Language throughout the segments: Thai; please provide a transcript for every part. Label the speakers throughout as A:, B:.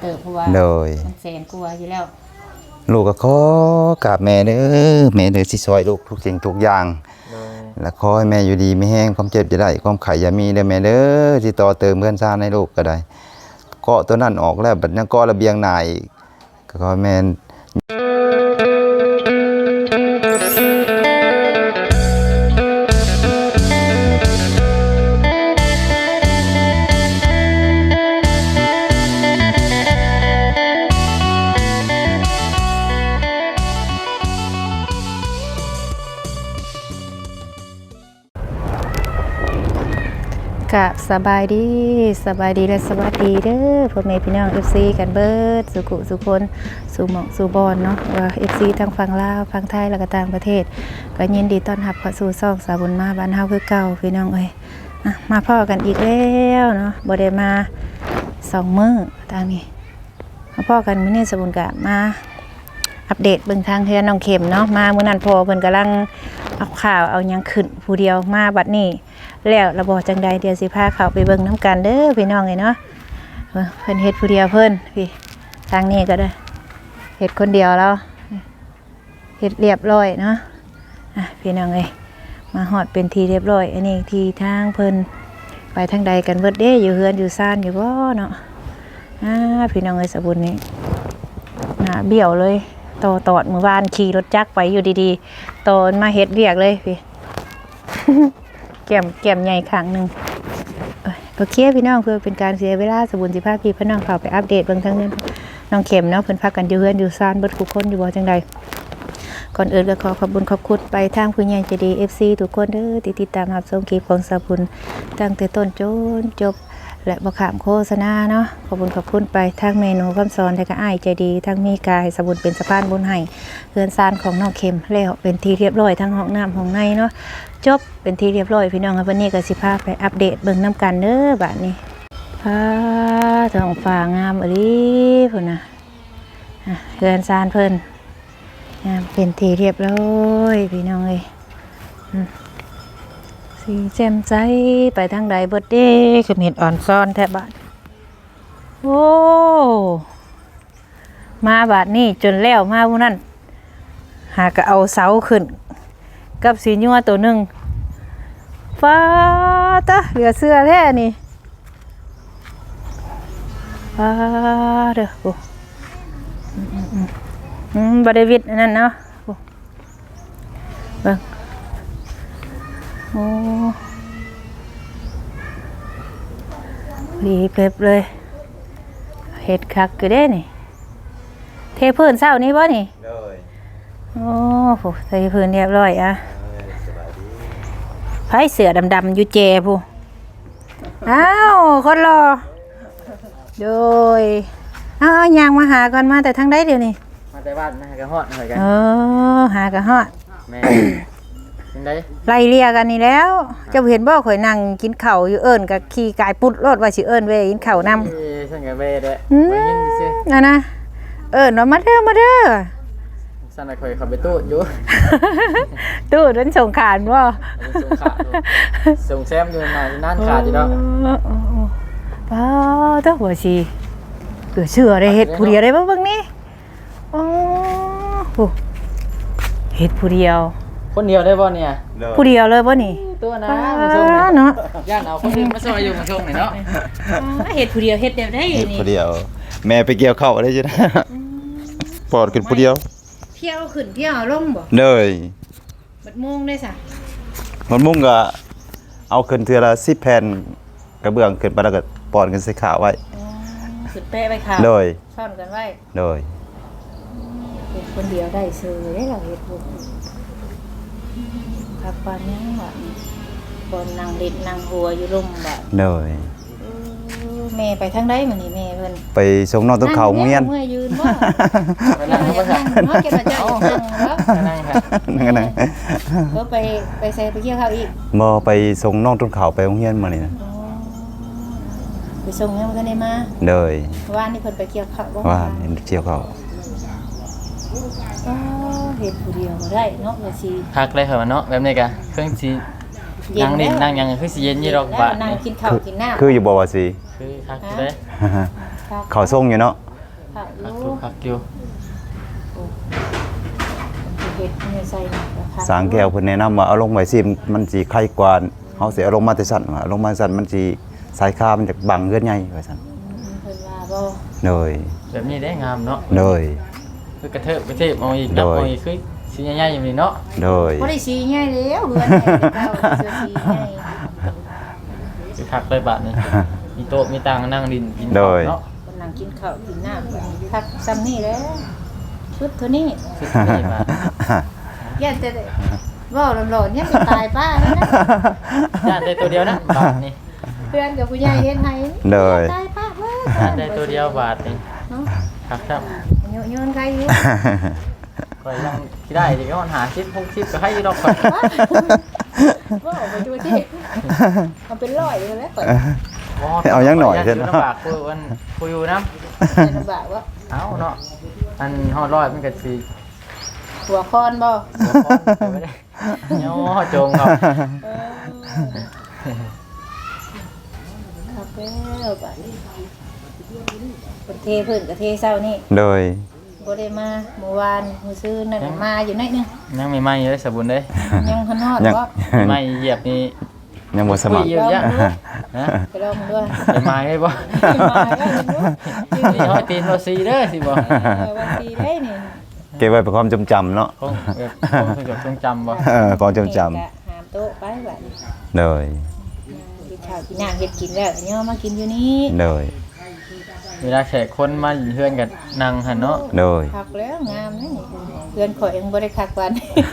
A: ติบเพราะว่ามันแสนกลัวอยู่แล้ว
B: ลูกก็ขอกราบแม่เด้อแม่เด้อสิซอยลูกทุกสิ่งทุกอย่างแล้วขอให้แม่อยู่ดีไม่แห้งความเจ็บจะได้ความไข้อย่ามีเด้อแม่เด้อสิต่อเติมเพื่อนซ่านให้ลูกก็ได้เกาะตัวนั้นออกแล้วบัดนั้นก็ระเบียงหน้าอีกก็ขอแม่
C: กะสบายดีและสวัสดีเด้อพ่อแม่พี่น้อง FC กันเบิดสุขุสุคนสู่หมองสู่บอนเนาะว่า FC ทั้งฝั่งลาวฝั่งไทยแล้วก็ต่างประเทศก็ยินดีต้อนรับเข้าสู่ช่องสาวบุญมาบ้านเฮาคือเก่าพี่น้องเอ้ยมาพ้อกันอีกแล้วเนาะบ่ได้มา2มื้อทางนี้มาพ้อกันมื้อนี้สาวบุญก็มาอัปเดตเบิ่งทางเฮือนน้องเข็มเนาะมามื้อนั้นพ่อเพิ่นกำลังเอาข่าวเอาหยังขึ้นผู้เดียวมาบัดนี้แล้วระบบจังใดเดี๋ยวสิพาเขาไปเบิ่งน้ำกันเด้อพี่น้องเนาะเพิ่นเฮ็ดผู้เดียวเพิ่นพี่ทางนี้ก็ได้เฮ็ดคนเดียวแล้วเฮ็ดเรียบร้อยเนาะพี่น้องเอ้ยมาฮอดเป็นทีเรียบร้อยอันนี้ทีทางเพิ่นไปทางใดกันเบิดเด้อยู่เฮือนอยู่ซ่านอยู่บ่เนาะพี่น้องเอ้ยสบุญนี่หน้าเบี้ยวเลยตอดมื้อวานขี่รถจักรไปอยู่ดีๆตอนมาเฮ็ดเรียกเลยพี่แก้มใหญ่ข้างหนึ่งโอเคพี่น้องเพื่อเป็นการเสียเวลาสบุญสิภาพพี่พี่น้องเขาไปอัปเดตเบื้องทั้งนี้น้องเข็มเนาะเพิ่นพักกันอยู่เฮือนอยู่ซานเบิดทุกคนอยู่บ่จังใดก่อนอื่นก็ขอขอบคุณไปทางผู้ใหญ่ใจดี FC ทุกคนเด้อที่ติดตามรับชมคลิปของสบุญตั้งแต่ต้นจนจบและบ่ขามโฆษณาเนาะขอบคุณไปทางเมนูคำสอนและก็อ้ายใจดีทั้งมีกายสบุญเป็นสะพานบุญให้เฮือนซานของน้องเข็มแล้วเป็นที่เรียบร้อยทั้งห้องน้ำห้องในเนาะจบเป็นที่เรียบร้อยพี่น้องครับวันนี้ก็สิพาไปอัปเดตเบิ่งน้ำกันเด้อบัดนี้ท้องฟ้างามอลีพุ่นน่ะเฮือนซานเพิ่นงามเป็นที่เรียบร้อยพี่น้องเอ้ยสีแจ่มใสไปทางใดเบิดเด้คือเห็ดอ่อนซ้อนแทบบ้านโอ้มาบาดนี้จนแล้วมาผู้นั้นหากเอาเสาขึ้นกับสีญัวตัวหนึ่งฟ้าตะเหลือเสื้อแท้นี่ฟ้าเด้อโอ้บริวิตนั่นเนาะเบิ่งโอ้ดีเพ็บเลยเห็ดคักก็ได้นี่เทพื้นเศร้านี่บ่นี่โอ้โหเทพื้นเรียบร้อยไผเสือดำๆอยู่เจผู้อ้าวคนรอโดยยางมาหาก่อนมาแต่ทางใดเดี๋ยวนี้
D: มาแต่บ้านนะกระหอดหน่อยกัน
C: หากระหอด
D: แม่ยังไง
C: ไล่เลียกันนี่แล้วจะเห็นบ่ข่อยนั่งกินข้าวอยู่เอิ้นกับขี่กายปุดรถว่าสิเอิ้นเว้ยกินข้าวนำ
D: ฉันกับเว้เด้
C: นะเอิ้นว่ามาเด้อ
D: สั่นข่อยขับไปตู้อยู่
C: ตู้นั้นส่งขานบ่
D: ส่งแซมอยู่น่ะนานขาดอยู่ดอก
C: ป้าตะหัวสิเกือเชื่อได้เฮ็ดผู้เดียวได้บ่เบิ่งนี่อ๋อเฮ็ดผู้เดียว
D: คนเดียวได้บ่เนี่ย
C: ผู้เดียวเลยบ่นี่
D: ตัวนะมาส่งเนาะย่านเอาคนอื่นมาซอยอยู่มาส่งนี่เนาะ
C: เฮ็ดผู้เดียวเฮ็ดได้นี่
B: ผู้เดียวแม่ไปเกี่ยวข้าวได้จ้ะปอดขึ้นผู้เดียว
C: เที่ยวขึ้นเที่ยวลงบ่
B: เลย
C: บัดมุงได้ซะ
B: บัดมุงก็เอาขึ้นเทื่อละ10แผ่นกระเบื้องขึ้นไปแล้วก็ปอดขึ้นใส่ขาไว้
C: ขึ้นแปะไว้ขา
B: เลย
C: ซ่อนกันไว้
B: เลย
C: เฮ็ดคนเดียวได้ซื่อได้เราเฮ็ดบ่พักปานนี้ว่าบนนั่งเล่นนั่งหัวอยู่ร่มบ่
B: เลย
C: แม่ไปทางใดมื้อนี้แม่เพิ่น
B: ไปส่งน้องต้นเขาโรงเรียน
C: เมื่อยยืนบ่ไปนั่งบ่ค่ะเนาะเก็บมาจ้านั่งครับ
B: นั่ง
C: ก็ไปใส่ไปเกี่ยวข้าวอีก
B: บ่ไปส่งน้องต้นเขาไปโรงเรียนมื้อนี้นะ
C: ไปส่งยังบ่ทันได้มา
B: เลย
C: ว่านนี่เพิ่นไปเกี่ยวข้าวบ่
B: ว่านเกี่ยวข้าว
C: เฮ็ดผู้เดียวบ่ได้เนาะว่าสิ
D: พักเลยเหรอเนาะแบบนี้กะเครื่องสินั่งนี่นั่งยังคือสิเย็นอยู่ดอก
C: บ่นั่งกินข้าวกินน้ำ
B: คืออยู่บ่ว่าสิ
D: คือพักเด้
B: เขาส่งอยู่เนาะ
A: ข้าวอ
D: พัก
A: ยู่
D: อยู่พักอยู่
A: เฮ็ดนี่ใส่นี่ก็พัก
B: สางแก้วเพิ่นแนะนำว่าเอาลงไว้สิมันสิไข่กว่าเฮาสิเอาลงมาแต่สั่นว่าเอาลงมาสั่นมันสิสายคามันจะบังเฮือนใหญ่ว่าซั่น
A: เพิ่นว่าบ่
B: โดย
D: แบบนี้ได้งามเนาะ
B: โดย
D: คือกระเทิบเอาอีกนับเอาอีกคือสิใหญ่ๆอย่างนี้เนาะ
B: โดย
A: บ่ได้สีใหญ่แล้วเฮือนใหญ่เก่าเสื้อสีใหญ่
D: คือคักเลยบาดนี้มีโต๊ะมีตังนั่งดินกิน
B: โด
D: ข้าวย เนาะ
A: กำลังกินข้าวกินน้ำพักซ้ำนี่แหล้วชุดเท่านี้
D: สุดนี่บาด
A: ย่านแต่เว้าหลอนๆยังจะตายป้าแล้วนะ
D: ย่านได้ตัวเดียวนะบาทนี่
A: เพื่อนกับผู้ใหญ่เฮ็ดให้
B: โดย
A: ตายป้าเว้ย
D: ย่านได้ตัวเดียวบาทนี่
A: เนาะ
D: คักครับ
A: โยนใครอยู่
D: ก็ยังที่ได้ที่ก็หาชิป60ก็ให้อยู่ดอกข่อย
A: ว่าออกไปดูที่มันเป็นร้อยเลยแล้วเปิด
B: เอายังหน่อยเถ
D: เด้
B: อะ
D: อ
B: เนาะ
D: ลำบากคุยอยู่นำ
A: ลำบากว่า
D: เอาเนาะอันฮอดร้อยมันก็สิ
A: หัวคอนบ่
D: หัวข้อนไปไม่ได้เนาะจงครับ
A: ครับแล้วบัดนี้คนเทเพิ่นกับเทเช้านี่
B: โดย
A: บ่ได้มาเมื่อวานมื้อซื้อนั่นน่ะมาอยู่หน่อยนึง
D: ยังไม่ไหม้เลยสบุนเด้
A: ยังหันฮอด
B: ยัง
A: บ่
D: ไหม้เหยียบนี่
B: ยังบ่สมัคร
D: คุยอยู่ยะฮะ
A: ไปลองด้วย
D: ไปไหม้ได้บ่
A: มาแล้วดู
D: นี่ฮอดตีนบ่ซีเด้อสิบ่
A: วันทีได้นี่
B: เก็บไว้เป็นความจำจำเนาะ
D: คงแบบคงจดจงจำบ่
B: ความจำจ
A: หามโต๊ะไปบัดนี้
B: ำโดย
A: กินข้าวกินน้ำเฮ็ดกินแล้วเนี่ยมากินอยู่นี่
B: โดย
D: เวลาแขกคนมาเฮือนกันนั่งหั่นเนาะ
B: โดย
A: คักแล้วงามนะนี่เพื่อนข่อยยังบ่ได้คักวัน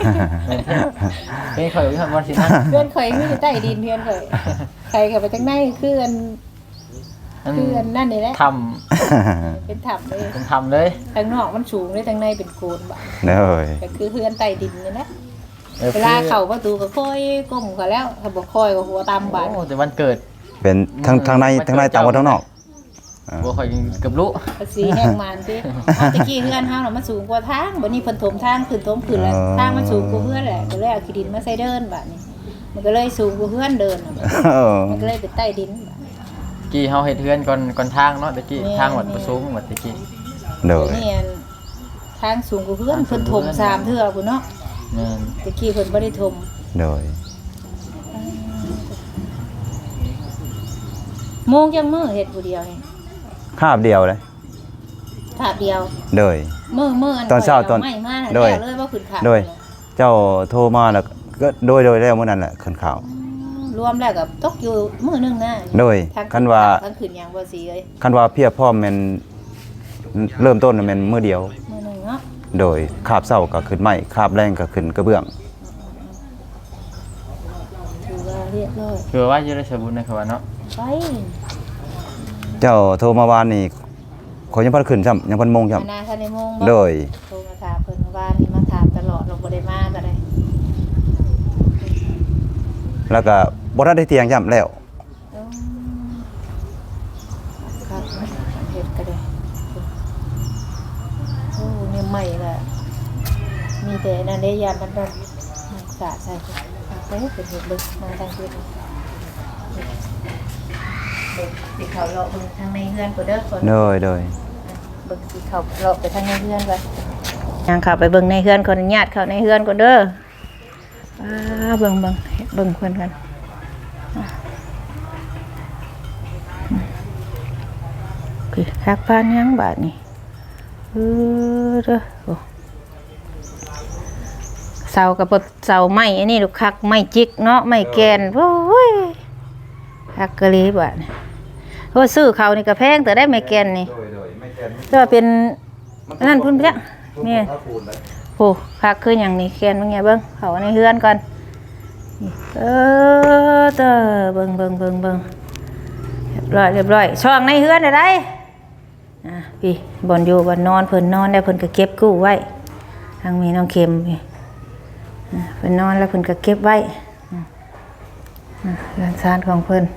D: เป็นข่อยว่าสินั่ง
A: เพื่อนข่อยคืออยู่ใต้ดินเพื่อนข่อยใครเข้าไปทางในคืออันนั่นนี่แหละ
D: ท
A: เป็นถ้ำเลย
D: ำเป็นทำเลย
A: ทางนอกมันสูงเลยทางในเป็นโคนบาด
B: โดย
A: ก็คือเพื่อนใต้ดินนี่นะเวลาเข้าประตูก็ค่อยก้มเขาแล้วถ้าบ่ค่อยก็หัวตามบาด
D: โอ้แต่วันเกิด
B: เป็นทางในต่างว่าทางนอก
D: บ่ข่อยเกือบรู้
A: ภาษีแห้งมันสิเอาตะกี้เพื่อนเฮาน่ะมันสูงกว่าทางบัดนี้เพิ่นถมทางขึ้นแล้วทางมันสูงกว่าเพื่อนแหละก็เลยเอาขี้ดินมาใส่เดินบาดนี้มันก็เลยสูงกว่าเพื่อนเดินน่ะมันก็เลยเป็นใต้ดินบาดนี้
D: กี้เฮาเฮ็ดเฮือนก่อนทางเนาะตะกี้ทางวัดประสูงวัดตะกี้
B: โดย
A: นี่อันทางสูงกว่าเพื่อนเพิ่นถม3เทื่อพุ่นเนาะ
D: แม่น
A: ตะกี้เพิ่นบ่ได้ถม
B: โดย
A: โมงจังมื้อเฮ็ดผู้เดียวนี่
B: คาบเดียวเลย
A: ถาบเดียว
B: โดย
A: มื้ออัน
B: ตอนเช้าตอน
A: ไม่มา
B: โดย
A: แล้วเลยว่าขึ้นขา
B: โดย เจ้าโทรมาแล้วก็โดยแล้วมื้อนั้นแหละขึ้นข่าว
A: รวมแล้วก็ตกอยู่มื้อนึงนะ
B: โดย
A: ทาง
B: คันว่า
A: ทางขึ้นหยังบ่สิเอ้ย
B: คันว่าเพียบพร้อมแม่นเริ่มต้นน่ะแม่นมื้อเดียว
A: มื้อนึงเนาะ
B: โดยคาบเช้าก็ขึ้นไม้คาบแรงก็ขึ้นกระเบื้อง
A: ถือว่าเรียบร้อย
D: คือว่าอยู่ในสบุนนะครับว่าเนาะ
A: ไป
B: เจ้าโทรมาวานนี่ขอยยังบ่ได้ขึ้นซ้ำยังบ่โมงซ้ำ
A: นาทันในโมงบ่
B: โดย
A: โทรมาถามเพิ่นว่านี่มาถามตลอดเราบ่ได้มาก็ได้
B: แล้วก็บ่ทันได้เที่ยงซ้ำแล้ว
A: ครับเฮ็ดก็ได้โอ้เนี่ยใหม่ละมีแต่นั่นได้ยามมันแบบสะใส่ไปเป็นเฮ็ดเบิ่งมาทางเฮ็ดเด็กสิเขาเลาะเบิ่งทางในเฮือนก็เด้อคน
B: โดยโดย
A: เบิ่งสิเขาเลาะไปทางในเฮือนก่อนยังเข้าไปเบิ่งในเฮือนคนญาติเข้าในเฮือนก่อนเด้อเบิ่งเพิ่นกันคือคักพานยังบาดนี่เด้อโอ้เสากับเสาไม้อันนี้ลูกคักไม้จิกเนาะไม้แกนโอ้ยคักกะลีบาดนี่โอ้ซื้อเขานี่ก็แพงแต่ได้ไม้แกนนี่ก็เป็นนั่นพุ่นเพี้ยนี่โอ้คักคืออย่างนี้แกนมึงไงเบิ่งเขาในเฮือนก่อนเด้อเบิ่งเรียบร้อยช่องในเฮือนได้พี่บ่อนอยู่บ่อนนอนเพิ่นนอนได้เพิ่นก็เก็บกู้ไว้ทางมีน้องเข็มพี่เพิ่นนอนแล้วเพิ่นก็เก็บไว้เรือนซานของเพิ่น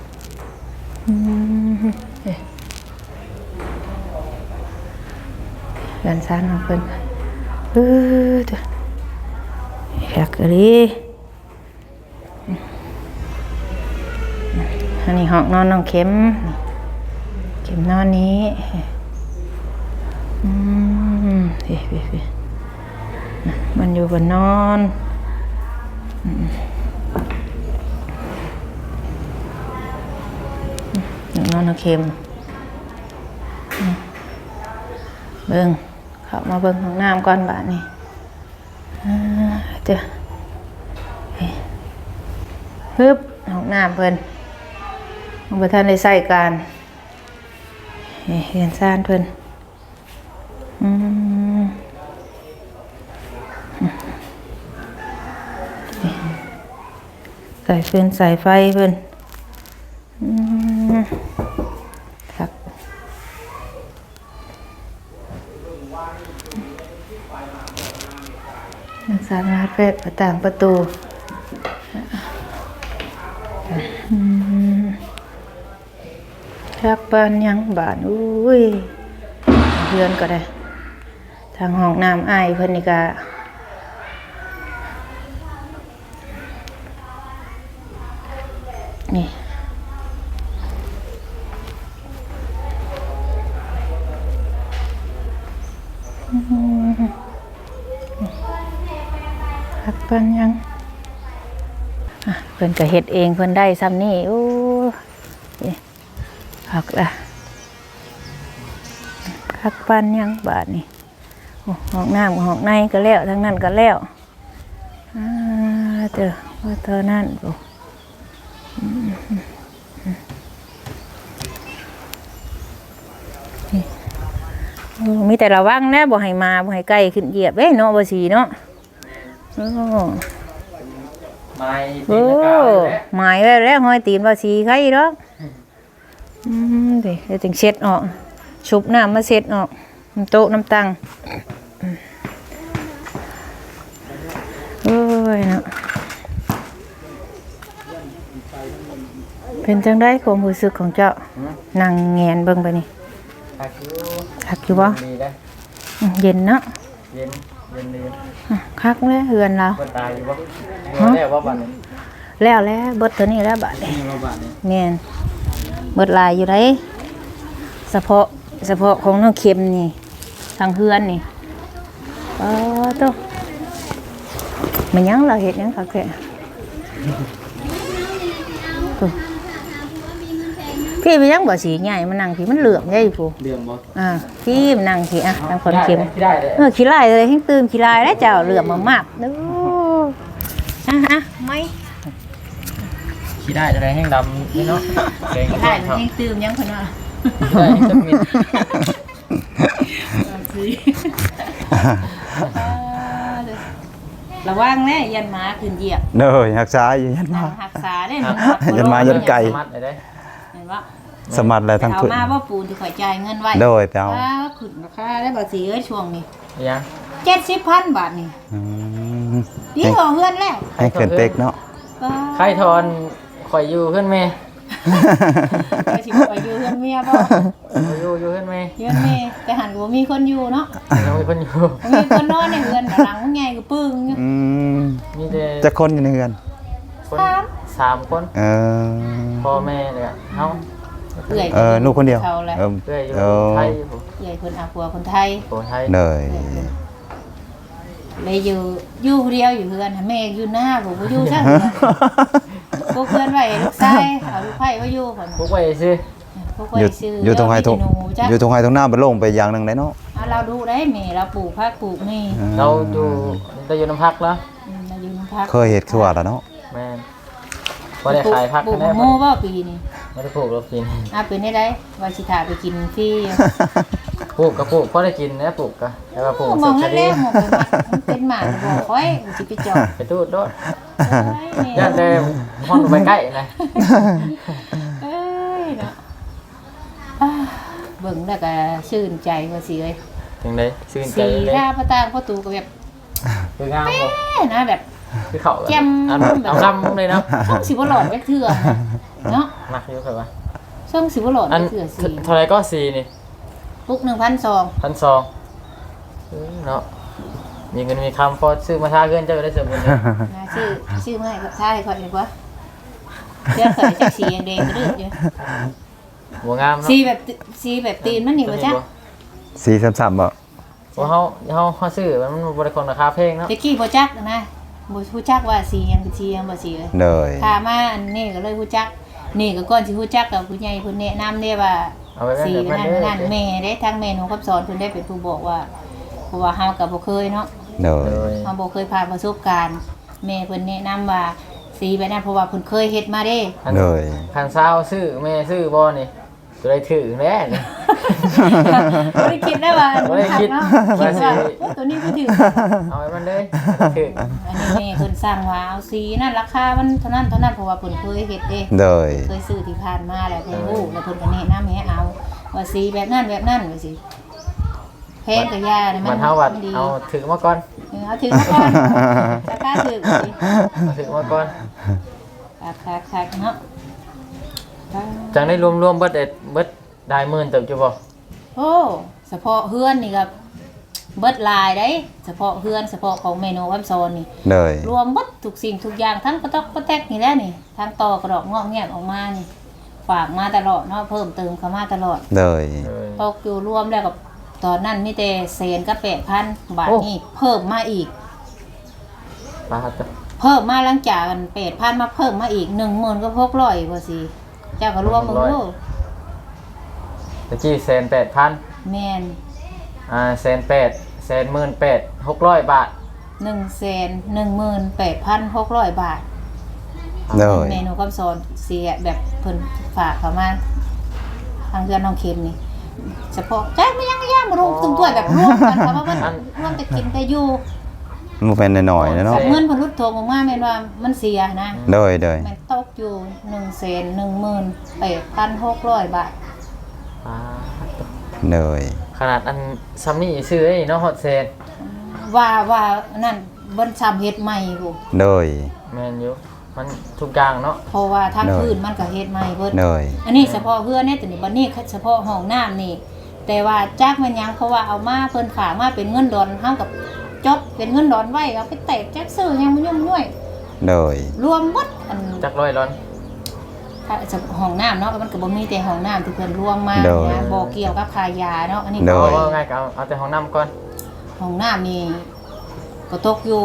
A: เรือนซานของเพิ่นอยากรีอันนี้ห้องนอนน้องเข็มนอนนี้พี่มันอยู่บนนอนนอนเค็มเบิ่งเข้ามาเบิ่งห้องน้ำก่อนบาดนี้เจ้าฮึบห้องน้ำเพิ่นบ่ทันได้ใช้การเห็นซ่านเพิ่นใส่ฟืนใส่ไฟเพิ่นครับสามารถเปิดประต่างประตูชักบ้านยังบ้านอุ้ยเพื่อนก็ได้ทางห้องน้ำอ้ายเพิ่นนี่ก็นี่ชักบ้านยังเพิ่นก็เฮ็ดเองเพิ่นได้ซ้ำนี่โอ้ยหักละคักปันยังบาทนี่ห้องน้ำห้องในก็แล้วทั้งนั้นก็แล้วเจอว่าเท่านั้นมีแต่ระวังนะบ่ให้มาบ่ให้ใกล้ขึ้นเหยียบเนาะบ่สีเนาะหมายไว้แล้วห้อยตีนบ่สีใครดอกเดี๋ยวจึงเช็ดออกชุบน้ำมาเช็ดออกโต๊ะน้ำตังโอ้ยเนาะเป็นจังได้ความรู้สึกของเจ้านั่งแงนเบิ่งไปนี่คักอยู่บ่เย็นเนาะ
D: เย็น
A: คักเลยเฮือนเรา
D: ตายอยู่บ่แล้วว่าบัดนี้
A: แล้วเบิดตัวนี้แล้วบัดนี้แม่นเบิดลายอยู่ได้เฉพาะของน้องเข็มนี่ทางเฮือนนี่โตมันยังเราเฮ็ดยังคักแท้พี่ไปยังบ่สีใหญ่มันนั่งพี่มันเหลื่อมใหญ่ผู้
D: เหลื่อมบ่
A: พี่มันนั่งพี่ทางคนเข็มขี้ลายเลยให้ตื่นขี้ลายแล้วเจ้าเหลื่อมมากๆเด้อไม่
D: ขี้ได้อะไรแห้งดำนี่เนาะแกง
A: ได้ให้ตื่นยังเพิ่นว่า
D: ได้จักมิด
A: ระวังแน่ยันหมาขึ้นเหยียบ
B: เด้อหักษาอยู่ยันมา
A: หักษาได้
B: ยันมายันไก่
A: เห็นว่า
B: สมัดแล้วทั้ง
A: เอา
B: ขึ้น
A: มาบ่ปูนที่ข่อยจ่ายเงินไว้
B: โดยไปเอา
A: ขึ้นราคาได้บ่สิช่วงนี้
D: ยัง
A: 70,000 บาทนี่พี่ขอเฮือนแล้ว
B: ให้เกินเต็กเนาะ
D: ใครทอนข่อยอยู่เพิ่นแม่
A: ไปสิข่อยอยู่เฮือนเมียบ่
D: อยู่เพิ่นแม่
A: เฮือนแม่แต่หันบ่มีคนอยู่เนาะ
D: มีคนอยู่
A: มีคนนอนในเฮือนหลังใหญ่ก็ปึ้ง
D: มีแต่
B: จะคนอยู่ในเฮือน
D: 3คนพ่อแม่เลยเฮา
B: ลูกคนเดียว
D: เอ้ยอยู่ไทย
A: ใหญ่คนอาผัวคนไทย
B: เลย
A: เลยอยู่เดียวอยู่เฮือนแม่อยู่หน้าผมบ่อยู่ซะพวกเพื่อนไว้ลูกชายเอาลูกไผ่ไว้อยู่พุ่น
D: พวกไว้ซื่อ
B: อยู่ตรงไห้ตรงหน้าบ่ลงไปอย่างนึงได้เนาะ
A: เราดูได้แม่เราปลูกผักปลูกนี่
D: เราอยู่น้ำพักแล้ว
A: เราอยู่น้ำพัก
B: เคยเฮ็ดคือว่าแล้วเนาะ
D: แม่นบ่ได้ขายพัก
A: ปลูกโม่บ่ปีนี้
D: บ่ได้ปลูกแล้วกิน
A: เป็นได้ว่าสิถาไปกินฟรี
D: ปลูกก็ปลูกพอได้กินนะปลูกก็แต่ว่าปลูก
A: สุดท้ายมันเป็นหมาบ่ค่อยสิไปจอด
D: ไปตูดโดดย่านแต่ฮ้อนไปใกล้นะ
A: เนาะเบิ่งแล้วก็ชื่นใจว่าสิเอ้ย
D: จังได๋ชื่นใจเลย
A: สีหน้าประตางประตูก็แบบ
D: คืองามบ่
A: นะแบบ
D: คือเขา
A: แจ่ม
D: เอาลำเลยเนาะ
A: ช่องสิบ่หลอดไว้เถื่อเนาะ
D: มักอยู่ครับว่า
A: ช่องสิบ่หลอดไว้เถื่อสี
D: เท่าไหร่ก็สีนี่
A: ปุ๊ก 1,200
D: เนาะมีเงินมีคำพอซื้อมาทาเงินเจ้าได้เสริมเงิน
A: ชื่อมาให้กับทาให้ค่อยดีกว่าเสื้อใส่จักสีแดงๆกระดึ๊บอยู่
D: บ่งามเนาะ
A: สีแบบตีนมันนี่บ่จ๊ะ
B: 433บ่
D: ว่าเขาซื้อมันบริการราคาเพลงเนาะ
A: ตะกี้บ่จักนะบ่ฮู้จักว่าสีหยังเป็นสีหยังบ่สีเลย
B: เลย
A: พามาอันนี้ก็เลยฮู้จักนี่ก็ก่อนสิฮู้จักกับผู้ใหญ่เพิ่นแนะนำเด้ว่า
D: เอาไป
A: สี
D: แบบ
A: นั่น
D: เด้อ
A: นั่นแม่ได้ทางแม่หนูกับสอนเพิ่นได้เป็นผู้บอกว่าเพราะว่าเฮาก็บ่เคยเนาะ
B: เลย
D: เลย
A: เฮาบ่เคยผ่านประสบการณ์แม่เพิ่นแนะนำว่าสีแบบนั้นเพราะว่าเพิ่นเคยเฮ็ดมาเด้
B: เลย
D: คันซาวซื้อแม่ซื้อบ่นี่จะได้ถือแน่นี่
A: บ่ได้คิดได้ว่า
D: บ่ได้คิด
A: เนาะ
D: ว่า
A: คิด
D: สิ
A: ว่าโอ้ตัวนี้ก็ถือ
D: เอาไว้มันเลยถือ
A: อันนี้แม่เพิ่นสร้างว่าเอาสีนั่นราคามันเท่านั้นเพราะว่าเพิ่นเคยเฮ็ดเด้
B: เลย
A: เคยซื้อที่ผ่านมาแล้วเพิ่นรู้แล้วเพิ่นก็แนะนำให้เอาว่าสีแบบนั้นว่าสิแพงก็ยาเนี่ย
D: มันเฮาวัด
A: ดี
D: เอาถือมาก่อน
A: เอาถึงมาก่อนราคาถึงสิ
D: เอาถือมาก่อน
A: ราคาคักเนาะ
D: จังได้รวมๆเบิดได้หมื่นเติบอยู่บ่
A: โอ้เฉพาะเฮือนนี่ก็เบิดหลายได้เฉพาะเฮือนเฉพาะของเมนูวัมโซนนี่
B: เลย
A: รวมเบิดทุกสิ่งทุกอย่างทั้งกระตอกกระแตกนี่แหละนี่ทั้งตอกระดอกงอกแงกออกมานี่ฝากมาตลอดเนาะเพิ่มเติมเข้ามาตลอด
B: เลย
A: ตกอยู่รวมแล้วกับตอนนั้นมีแต่แสนกับ8,000 บาทนี่เพิ่มมาอีก
D: ปาดจ้ะ
A: เพิ่มมาหลังจากกัน8,000มาเพิ่มมาอีก10,000ก็600ว่าสิเจ้าก็รวมมึงดู
D: ตะกี้1,800,000
A: แม่น
D: 1,800,000 600 บาท
A: 118,600 บาท
B: เลย
A: เมนูกับสอนเสียแบบเพิ่นฝากเข้ามาทางเพื่อนน้องเค็มนี่เฉพาะใจไม่ยังย่ามารวมตุ้มถ้วยแบบรวมกันค่ะว่ามันรวมแต่กินแต่อยู่
B: มันเป็นน้อยๆนะเนาะ
A: เงินเพิ่นรุดโทงออกมาแม่นว่ามันเสียนะ
B: เลยเลย
A: มันตกอยู่118,600 บาท
D: ปาดจ้ะ
B: เลย
D: ขนาดอันซัมนี่ซื้อไอ้เนาะฮอตเซน
A: ว่านั่นบ่ซ้ำเฮ็ดใหม่พุ
B: เลย
D: แม่นอยู่มันทุกอย่างเนาะ
A: เพราะว่าทางพื้นมันก็เฮ็ดใหม่เบิด
B: เลย
A: อันนี้เฉพาะเพื่อนเนี่ยแต่นี่บัดนี้เฉพาะห้องน้ำนี่ แต่ว่าจักมันยังเพราะว่าเอามาเพิ่นฝากมาเป็นเงินดอนเฮากับจดเป็นเงินดอนไว้เอาไปแตกจักซื้อยังบ่ยุ่งย่วย
B: เลย
A: รวมหมดอัน
D: จักร้อยร้อน
A: ถ้าจะห้องน้ำเนาะมันก็บ่มีแต่ห้องน้ำที่เพิ่นรวมมานะบ่เกี่ยวกับค่ายาเนาะอันนี้
D: เอาง่ายก็เอาแต่ห้องน้ำก่อน
A: ห้องน้ำนี่ก็ตกอยู่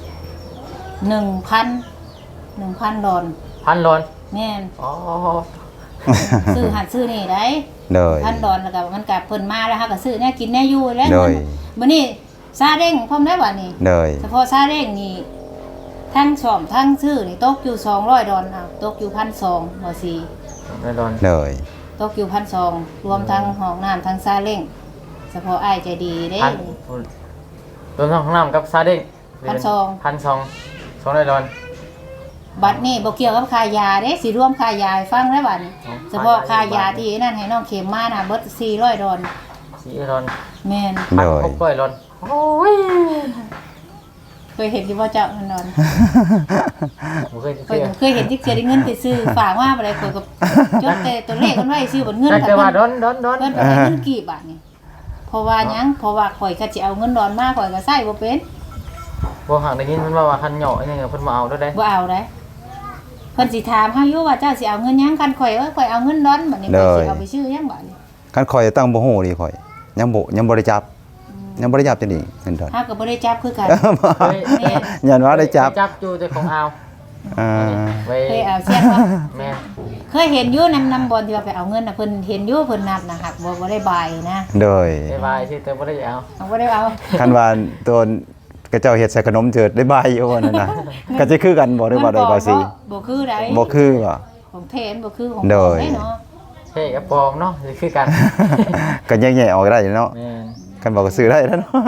A: 1,000 ดอน
D: 1,000 ร้อน
A: แม่น
D: อ๋อ
A: ซื้อหัดซื้อนี่ได้
B: เลย
A: 1,000 ดอนแล้วก็มันก็เพิ่นมาแล้วเฮาก็ซื้อแน่กินแน่อยู่แล้ว
B: เลย
A: บัดนี้ซาเด้งพร้อมได้บ่นี่
B: เลย
A: เฉพาะซาเร่งนี่ทั้งซ่อมทั้งซื้อนี่ตกอยู่200 ดอลลาร์ตกอยู่1,200บ่สิ
D: ไม่ร้อน
B: เลย
A: ตกอยู่1,200รวมทั้งห้องน้ำทั้งซาเร่งเฉพาะอ้ายใจดีเด้
D: พันรวมทั้งห้องน้ำกับซาเด้ง
A: 1,200
D: 1,200 ร้อน
A: บัดนี้บ่เกี่ยวกับค่ายาเด้สิรวมค่ายาให้ฟังได้บัดนี้เฉพาะค่ายาที่นั่นให้น้องเข็มมาน่ะเบิด400 ดอล
D: 4ร้อน
A: แม่น
B: เลย
D: 600 ร้อนโอ้ย
A: เคยเห็นอยู่บ่เจ้านั่นดอน
D: บ่เคย
A: เคยเห็นที่เสียได้เงินไปซื้อฝากมาบ่ได้ข่อยก็จดแต่ตัวเลขมันไว้ซื้อบ่เงิน
D: แต่ว่าร้อน
A: เพิ่นไปให้เงินกี่บาทนี่เพราะว่าหยังเพราะว่าข่อยก็สิเอาเงินดอนมาข่อยก็ใช้บ่เป็น
D: บ่หักได้ยินเพิ่นว่าคันเหยาะนี่เพิ่นมาเอาได้
A: บ่เอาได้เพิ่นสิถามเฮาอยู่ว่าเจ้าสิเอาเงินหยังกันข่อยข่อยเอาเงินดอนบัดนี้ข่อยสิเอาไปซื้อหยังบัดนี้
B: คันคอยตั้งบ่ฮู้ดีคอยยังบ่ได้จับจังนี้เงินดอน
A: เฮาก็บ่ได้จับคือกัน
B: ยันว่าได้จับ
D: จับอยู่แต่ของเอา
B: อ่า
D: ไว้
A: เคยเอาเสียนบ่
D: แม่
A: เคยเห็นอยู่นำบอลที่ว่าไปเอาเงินน่ะเพิ่นเห็นอยู่เพิ่นนับนะหักบ่ได้บายนะ
B: โดย
D: ได้บายที่แต่บ่ได้เอา
A: เอาบ่ได้เอา
B: คันว่าตัวกระเจ้าเฮ็ดใส่ขนมเจิดได้บายอยู่ว่านั่นน่ะก็จะคือกันบ่หรือว่าได้บายสิ
A: บ่คือได้
B: บ่คือบ่
A: ของแทนบ่คือของ
B: โดย
A: ได้เนาะ
D: เฮ้ยกับปลอมเนาะสิคือกัน
B: ก็แยกๆออกได้เนาะ
D: แม่น
B: คันบอกก็ซื้อได้แล้วเนาะ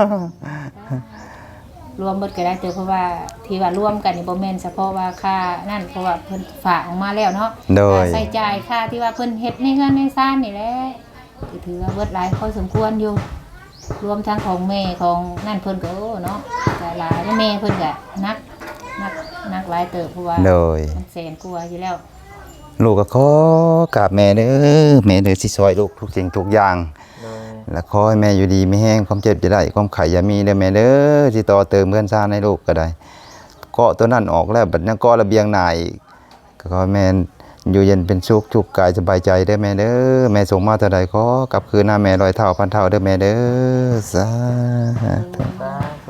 A: รวมเบิดก็ได้แต่เพราะว่าที่ว่ารวมกันนี่บ่แม่นเฉพาะว่าค่านั่นเพราะว่าเพิ่นฝากออกมาแล้วเนาะ
B: โดย
A: ค่าใช้จ่ายค่าที่ว่าเพิ่นเฮ็ดในเฮือนในซ่านนี่แหละก็ถือว่าเบิดหลายพอสมควรอยู่ รวมทั้งของแม่ของนั่นเพิ่นก็โอ้เนาะก็หลายแล้วแม่เพิ่นก็นักหลายเติบเพราะว่า
B: โดย
A: มันแสนกว่าอยู่แล้ว
B: ลูกก็ขอกราบแม่เด้อแม่เด้อสิซอยลูกทุกสิ่งทุกอย่าง
D: โดย
B: และขอให้แม่อยู่ดีไม่แห้งความเจ็บจะได้ความไข่อย่ามีเด้อแม่เด้อที่ต่อเติมเพื่อนซ่านให้ลูกก็ได้เกาะตัวนั้นออกแล้วบัดนี้เกาะระเบียงหน้าอีกก็ขอให้แม่อยู่เย็นเป็นสุขทุกกายสบายใจเด้อแม่เด้อแม่ส่งมาเท่าใดขอกลับคืนหน้าแม่ร้อยเท่าพันเท่าเด้อแม่เด้อสาธุ
D: สาธุ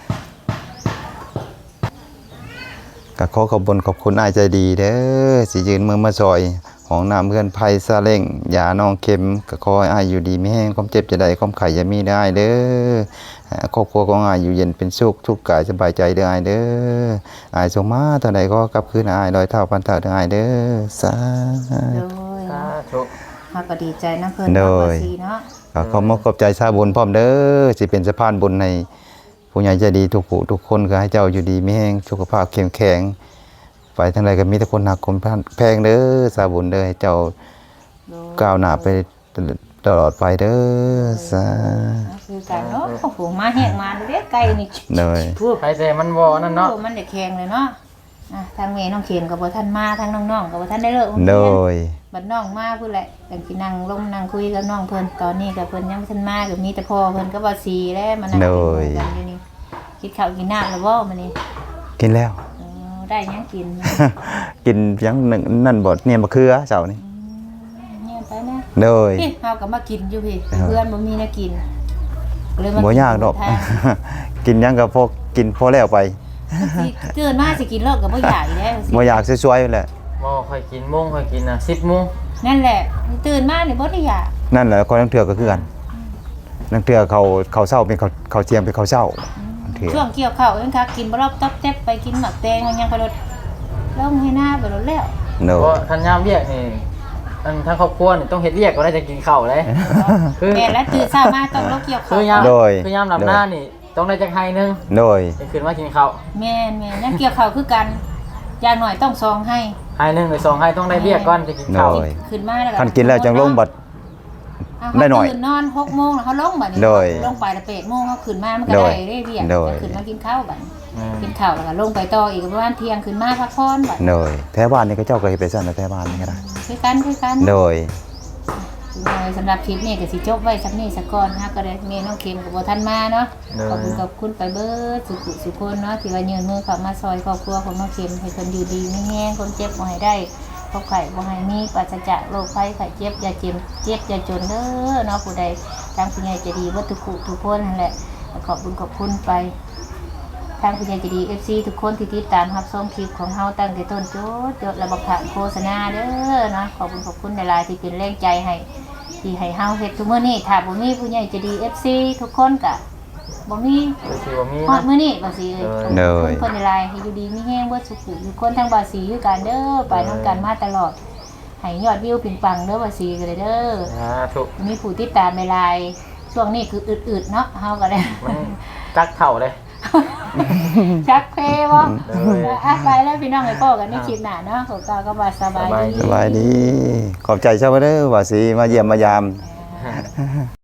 B: ก็ขอขอบคุญขอบคุณอ้ายใจดีเด้อสิยืนมือมาซอยของน้ำเพื่อนไผ่ซาเล้งยาน้องเข็มก็ขอให้อ้ายอยู่ดีไม่แห้งความเจ็บจะได้ความไข่อย่ามีได้เด้อครอบครัวของอ้ายอยู่เย็นเป็นสุขทุกกายสบายใจเด้ออ้ายเด้ออ้ายส่งมาเท่าใดก็กลับคืนอ้ายร้อยเท่าพันเท่าเด้ออ้ายเด้อสา
A: โด
B: ธุ
A: ย
D: สาธุ
A: เฮาก็ดีใจนํเพิ่น
B: โด
A: เนาะ
B: ย
A: บ่ซีเนาะ
B: ก็ขอมขอบใจชาวบุญพร้อมเด้อสิเป็นสะพานบุญในผู้ใหญ่ใจดีทุกผู้ทุกคนก็ให้เจ้าอยู่ดีไม่แห้งสุขภาพเข้มแข็งไปทางใดก็มีแต่คนหักคนแพงเด้อสาบุญเด้อให้เจ้า
A: โดย
B: ก้าวหน้าไปตลอดไปเด้อสา
A: คือกันเนาะโอ้โหมาแห้งมาเด้อไก่นี่
B: เด้อ
A: พูด
D: ใครแต่มันบ่นั่นเนาะ
A: โอ้มันได้แข็งเลยเนาะทางแม่น้องเข็มก็บ่ทันมาทางน้องๆก็บ่ทันได้เลิกโรงเรียน
B: โดย
A: บัดน้องมาพุ่นแหละจังสินั่งลงนั่งคุยกับน้องเพิ่นตอนนี้ก็เพิ่นยังบ่ทันมาก็มีแต่พ่อเพิ่นก็บ่สีแล้วมานั่งกินหมู่กันอยู่นี่กินข้าวกินน้ำแล้วบ่มื้อนี้
B: กินแล้ว
A: ได้หยังกิน
B: กินยังหนึ่งนั่นบดเนี่ยมะเขือเจ้านี่
A: เนี่ยไปนะ
B: โดย
A: พี่เฮาก็มากินอยู่พี่เพื่อนบ่มีแนวกินเลยมา
B: บ่ยากดอก
A: ทาง
B: กินยังก็พอกินพอแล้วไป
A: สิตื่นมาสิกินเลิกก็บ่อยากอีกแล้ว
B: บ่อยากสวยๆแหละ
D: บ่ค่อยกินโมงค่อยกินน่ะ10 โมง
A: นั่นแหละตื่นมานี่บ่ได้อยาก
B: นั่นแหละคนนังเถื่อก็คือกันนังเถื่อเขาเศร้าเป็นเขาเจียมเป็นเขาเศร้าเถื่อ
A: ช่วงเกี่ยวข้าวเองค่ะกินบ่รอบต๊อบเต็บไปกินหมักแตงมันยังไปรถลงให้หน้าไปรถแล้ว
B: โด
D: เพราะ
B: ย
D: คันยามเวียกนี่อันทั้งครอบครัวนี่ต้องเฮ็ดเวียกก็ได้จะกินข้าวเลย คือ
A: แม่แล้วตื่นเช้ามาต้องลงเกี่ยว
D: คื
A: ข้าว
D: อยามคือยามลำหน้านี่ต้องได้จักไห้นึง
B: โดย
D: จะขึ้นมากินข้าว
A: แม่ยังเกี่ยวข้าวคือกันอย่างหน่อยต้องซองให้
D: ไห้นึงหรือ2ไห้ต้องได้เวียกก่อนจะกินข้าว
B: โดย
A: ขึ้นมาแล้ว
B: คันกินแล้วจังลงบัด ได้หน่อย
A: ตื่นนอน6 โมงแล้วเขาลงบัดนี้
B: โดย
A: ลงไปแล้ว8 โมงเขาขึ้นมามันก็
B: โดย
A: ได้เรียก
B: โดย
A: ขึ้นมากินข้าวบัดกินข้าวแล้วก็ลงไปต่ออีกประมาณเที่ยงขึ้นมาพักผ่อนบัด
B: โดยแท้บ้านนี่ก็เจ้าก็เฮ็ดไปซั่นนะแท้บ้านนี่ก็ได้
A: คือกัน
B: โดย
A: สำหรับคลิปนี้ก็สิจบไว้สักนี้สักก่อนนะก็ได้แม่น้องเข็มกับบ่ทันมาเนาะขอบคุณไปเบิดสุขคนเนาะที่ว่ายืนมือเข้ามาซอยครอบครัวของน้องเข็มให้เพิ่นอยู่ดีไม่แห้งคนเจ็บบ่ให้ได้โรคไข้บ่ให้มีปราศจากโรคภัยไข้เจ็บอย่าเจ็บอย่าจนเด้อเนาะผู้ใดทางผู้ใหญ่ใจะดีเบิดทุกคนนั่นแหละขอบคุณไปทางผู้ใหญ่ใจะดี FC ทุกคนที่ติดตามรับชมคลิปของเฮาตั้งแต่ต้นจนและบ่ขาดโฆษณาเด้อเนาะขอบคุณหลายๆที่เป็นแรงใจให้ที่ให้เฮาเฮ็ดทุกมื้อนี้ถ้าบ่มีผู้ใหญ่ใจะดี FC ทุกคนก็บ่มี
D: ก็คือว่ามี
A: ฮอด
D: นะ
A: มื้อนี้บ่สิเอ้ย
B: เด้อ
A: ขอบคุณหลายๆให้อยู่ดีมีแฮงเบิดสุขทุกคนทั้งบ่สีคือกันเด้อไปนํกันมาตลอดให้ยอดวิวปังๆเด้อบ่สีก็ได้เด้อ
D: ถูก
A: มีผู้ติดตามหลายๆช่วงนี้คืออึดๆเนาะเฮาก็ได้
D: มันจักเข่าเลย
A: ชักเพบ่
D: เด้อ
A: ไปแล้วพี่น้องไปพบกันในคลิปหน้าเนาะขอกล่าวก็ว่าสบายดี
B: สบายดี ขอบใจเจ้าเด้อว่าสิมาเยี่ยมมายาม